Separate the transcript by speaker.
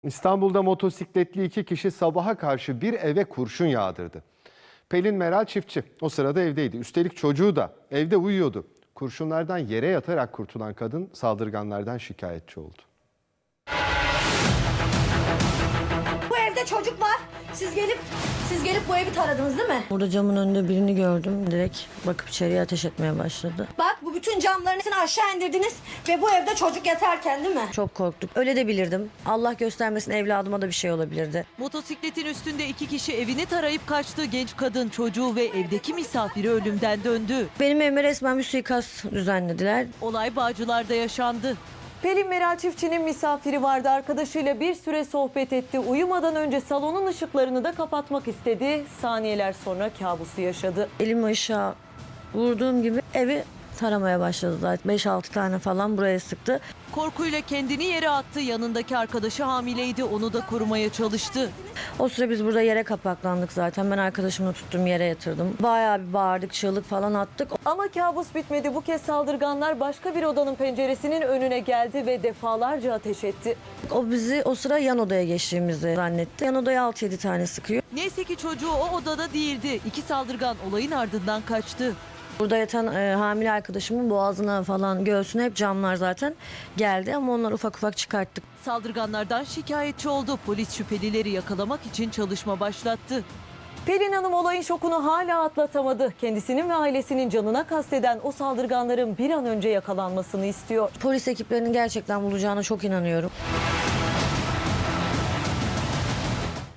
Speaker 1: İstanbul'da motosikletli iki kişi sabaha karşı bir eve kurşun yağdırdı. Pelin Meral çiftçi o sırada evdeydi. Üstelik çocuğu da evde uyuyordu. Kurşunlardan yere yatarak kurtulan kadın saldırganlardan şikayetçi oldu.
Speaker 2: Bu evde çocuk var. Siz gelip bu evi taradınız değil mi?
Speaker 3: Burada camın önünde birini gördüm. Direkt bakıp içeriye ateş etmeye başladı.
Speaker 2: Bak bu bütün camlarını aşağı indirdiniz ve bu evde çocuk yatarken değil mi?
Speaker 3: Çok korktuk. Öyle de bilirdim. Allah göstermesin, evladıma da bir şey olabilirdi.
Speaker 4: Motosikletin üstünde iki kişi evini tarayıp kaçtı. Genç kadın, çocuğu ve evdeki misafiri ölümden döndü.
Speaker 3: Benim evime resmen bir suikast düzenlediler.
Speaker 4: Olay Bağcılar'da yaşandı.
Speaker 5: Pelin Meral çiftçinin misafiri vardı. Arkadaşıyla bir süre sohbet etti. Uyumadan önce salonun ışıklarını da kapatmak istedi. Saniyeler sonra kabusu yaşadı.
Speaker 3: Elimi aşağı vurduğum gibi evi taramaya başladı zaten. 5-6 tane falan buraya sıktı.
Speaker 4: Korkuyla kendini yere attı. Yanındaki arkadaşı hamileydi. Onu da korumaya çalıştı.
Speaker 3: O süre biz burada yere kapaklandık zaten. Ben arkadaşımı tuttum, yere yatırdım. Bayağı bir bağırdık, çığlık falan attık.
Speaker 5: Ama kabus bitmedi. Bu kez saldırganlar başka bir odanın penceresinin önüne geldi ve defalarca ateş etti.
Speaker 3: O bizi o sıra yan odaya geçtiğimizi zannetti. Yan odaya 6-7 tane sıkıyor.
Speaker 4: Neyse ki çocuğu o odada değildi. İki saldırgan olayın ardından kaçtı.
Speaker 3: Burada yatan hamile arkadaşımın boğazına falan, göğsüne hep camlar zaten geldi ama onları ufak ufak çıkarttık.
Speaker 4: Saldırganlardan şikayetçi oldu. Polis şüphelileri yakalamak için çalışma başlattı.
Speaker 5: Pelin Hanım olayın şokunu hala atlatamadı. Kendisinin ve ailesinin canına kasteden o saldırganların bir an önce yakalanmasını istiyor.
Speaker 3: Polis ekiplerinin gerçekten bulacağına çok inanıyorum.